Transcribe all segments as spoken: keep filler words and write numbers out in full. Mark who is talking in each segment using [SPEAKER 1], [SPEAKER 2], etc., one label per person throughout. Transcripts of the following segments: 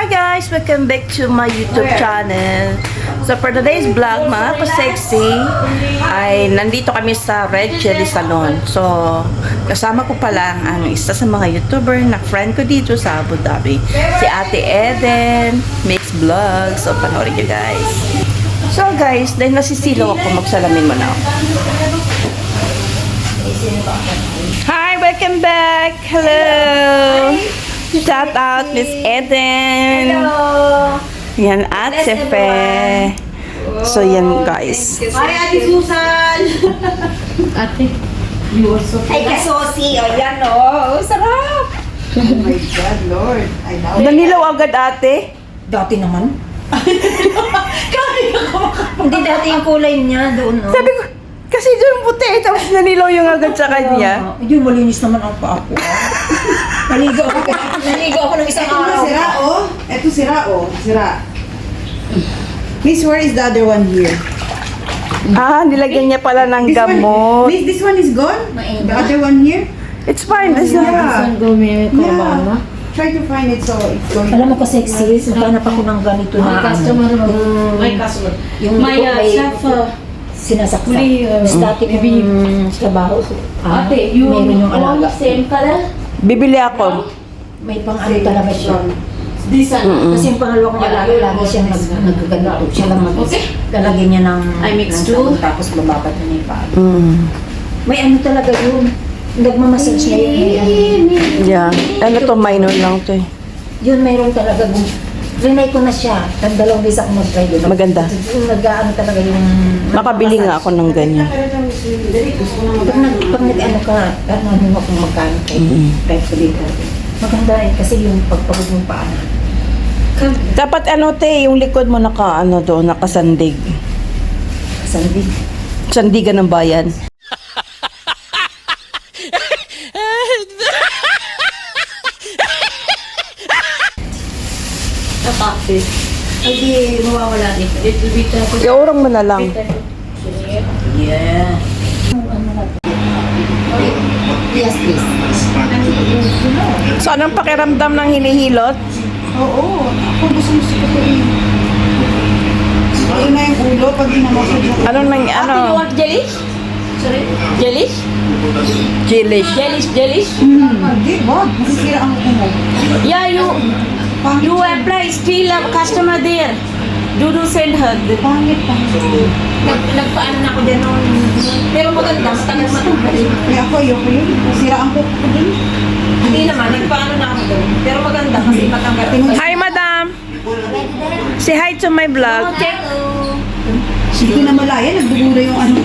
[SPEAKER 1] Hi guys! Welcome back to my YouTube channel. So for today's vlog, mga ka-sexy, ay nandito kami sa Red Chili Salon. So kasama ko pa lang ang isa sa mga YouTuber na friend ko dito sa Abu Dhabi, si Ate Eden Mix Vlog. So panoorin nyo guys. So guys, dahil nasisilaw ako, magsalamin mo na ako. Hi! Welcome back! Hello! Shout out Miss Eden.
[SPEAKER 2] Hello.
[SPEAKER 1] Yan at Sefe. So yan guys.
[SPEAKER 2] Hi Ate Susan.
[SPEAKER 3] Ate, you also
[SPEAKER 2] Ay kasosi. O yan o. Sarap.
[SPEAKER 3] Oh my God, Lord. I know.
[SPEAKER 1] Nanilaw agad ate.
[SPEAKER 2] Dati naman. Hindi dati yung kulay niya doon. No?
[SPEAKER 1] Sabi ko, kasi dyan puti. Tapos nanilaw yung agad sa kanya.
[SPEAKER 2] Hindi, malinis naman ang paa ko. Naligo ako. Naligo ako ng isang
[SPEAKER 3] Ito na
[SPEAKER 2] araw.
[SPEAKER 3] sira, oh. Ito sira, oh. Sira. Miss, where is the other one here?
[SPEAKER 1] Ah, nilagyan niya pala ng
[SPEAKER 3] This one,
[SPEAKER 1] gamot.
[SPEAKER 3] Miss, this one is gone?
[SPEAKER 2] Mainit.
[SPEAKER 3] The other one here?
[SPEAKER 1] It's fine. It's
[SPEAKER 3] Yeah.
[SPEAKER 1] not.
[SPEAKER 3] Yeah. Try to find it so it's going.
[SPEAKER 2] Alam mo ko sexy. Naghanap ako ng ganito na
[SPEAKER 4] customer mo.
[SPEAKER 2] Yung,
[SPEAKER 4] My customer.
[SPEAKER 2] yung
[SPEAKER 4] My uh,
[SPEAKER 2] may
[SPEAKER 4] staff. Uh,
[SPEAKER 2] sinasaksak.
[SPEAKER 4] Uli, uh,
[SPEAKER 2] Static yung trabaho. Ah,
[SPEAKER 4] ate, you
[SPEAKER 2] meron yung
[SPEAKER 4] all
[SPEAKER 2] alaga.
[SPEAKER 4] same color?
[SPEAKER 1] Bibili ako.
[SPEAKER 2] May pang ano talaga siya.
[SPEAKER 4] This one.
[SPEAKER 2] Kasi yung pangalawa kong alaga, lagi siyang nag, nagkaganito. Siya lang mag
[SPEAKER 4] Okay.
[SPEAKER 2] lalagyan niya ng
[SPEAKER 4] I mix
[SPEAKER 2] ng
[SPEAKER 4] two.
[SPEAKER 2] sabon, tapos bababat niya yung paa.
[SPEAKER 1] Mm.
[SPEAKER 2] May ano talaga yun. Nagmamassage niya yun. May ano.
[SPEAKER 1] Yeah. Ano to, minor lang to eh.
[SPEAKER 2] Yun, mayroon talaga. Rinay ko na siya. Tag dalawang beses ako mag-try doon.
[SPEAKER 1] Maganda.
[SPEAKER 2] Yung nag-ano talaga yung...
[SPEAKER 1] Makabili nga ako ng ganyan.
[SPEAKER 2] Pag nag, pag nag-ano ka, ano mo kung magkano kayo.
[SPEAKER 1] Mm.
[SPEAKER 2] Kahit ko din ka. Maganda eh, kasi yung pagpagod yung paa na.
[SPEAKER 1] Dapat ano te, yung likod mo naka ano doon, nakasandig.
[SPEAKER 2] Sandig.
[SPEAKER 1] Sandigan ng bayan.
[SPEAKER 4] Ate.
[SPEAKER 2] Ay di, mawawala din.
[SPEAKER 4] It will be tough.
[SPEAKER 1] Iurang mo na lang.
[SPEAKER 2] Yeah. Yes, please.
[SPEAKER 1] So anong pakiramdam ng hinihilot?
[SPEAKER 3] Oo. Ako gusto mo ko eh. Ito na yung ulo pag hinamassage ako.
[SPEAKER 1] Anong nang
[SPEAKER 4] Ate,
[SPEAKER 1] ano?
[SPEAKER 4] you want jellies? Sorry? Jellies?
[SPEAKER 1] Chilish.
[SPEAKER 4] Jellies, jellies?
[SPEAKER 3] Hmm. Hindi, wag. Masisira ang kumo.
[SPEAKER 4] Yeah, you
[SPEAKER 3] Pangit.
[SPEAKER 4] you apply still a customer there. Do do send her.
[SPEAKER 3] Pangit, pangit.
[SPEAKER 2] Nag, nagpaano na ako dyan noon. Pero maganda, matagal matagal.
[SPEAKER 3] Kaya ako, ayoko yun. Sira ang kuko ko din.
[SPEAKER 2] Hindi naman, nagpaano na ako doon. Pero maganda kasi matanggal.
[SPEAKER 1] Hi madam. Say hi to my vlog.
[SPEAKER 3] Hindi ko na malaya. Nagdugura yung ano.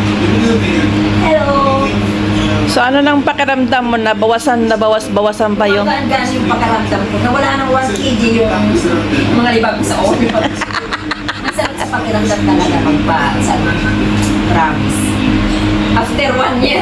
[SPEAKER 2] Hello!
[SPEAKER 1] So ano nang pakiramdam mo na bawasan na bawas bawasan pa yung
[SPEAKER 2] Maganda yung pagkaramdam ko. Nawala ng one kilogram yung mga libag ko sa oil. Ang sarap sa pakiramdam talaga magpa sa promise. After one year.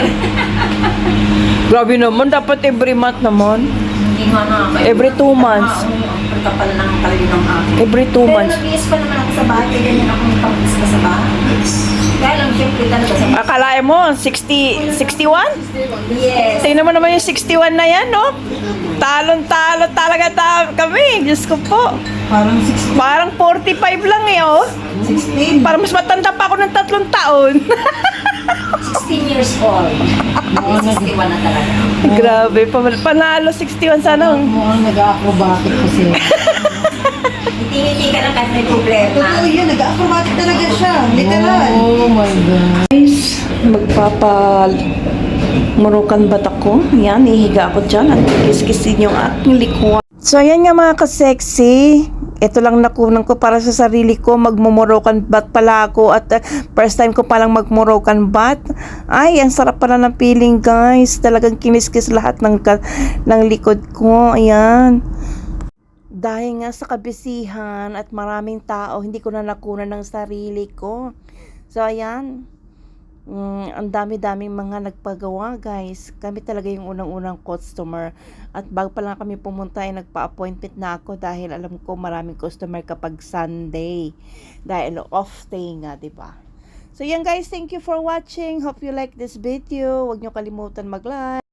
[SPEAKER 1] Grabe naman, dapat every month naman.
[SPEAKER 2] Hindi nga na.
[SPEAKER 1] Every two months.
[SPEAKER 2] Ang kapal ng kalyo ng akin.
[SPEAKER 1] Every two
[SPEAKER 2] Pero
[SPEAKER 1] months.
[SPEAKER 2] nag-iis pa naman ako sa bahay. Kaya ganyan ako ng pang pa sa bahay. Kaya lang syempre talaga sa
[SPEAKER 1] Akalain mo, sixty, sixty-one?
[SPEAKER 2] Yes.
[SPEAKER 1] Tingnan mo naman yung sixty-one na yan, no? Talon-talo talaga ta kami. Diyos ko po.
[SPEAKER 3] Parang sixteen.
[SPEAKER 1] Parang forty-five lang eh, oh.
[SPEAKER 3] sixteen.
[SPEAKER 1] Parang mas matanda pa ako ng tatlong taon.
[SPEAKER 2] sixteen years old. sixty-one na talaga.
[SPEAKER 1] Grabe, pa- panalo sixty-one sana. oh.
[SPEAKER 3] Mukhang nag-acrobatic kasi.
[SPEAKER 2] Ngiti-ngiti ka lang kahit may problema.
[SPEAKER 3] Totoo yun. Nag-acrobatic talaga siya. Literal.
[SPEAKER 1] Oh my God. Guys, magpapa murukan ba't ako? Yan, ihiga ako dyan at kiskisin yung aking likuan. So, ayan nga mga ka-sexy. Ito lang nakunan ko para sa sarili ko. Magmumurokan bat pala ako at uh, first time ko palang magmurokan bat. Ay, ang sarap pala ng feeling guys. Talagang kiniskis lahat ng, ka- ng likod ko. Ayan. Dahil nga sa kabisihan at maraming tao, hindi ko na nakunan ng sarili ko. So, ayan. Mm, ang dami-daming mga nagpagawa, guys. Kami talaga yung unang-unang customer. At bago pa lang kami pumunta, ay nagpa-appointment na ako dahil alam ko maraming customer kapag Sunday. Dahil off day nga, diba? So, yan guys. Thank you for watching. Hope you like this video. Huwag nyo kalimutan mag-like.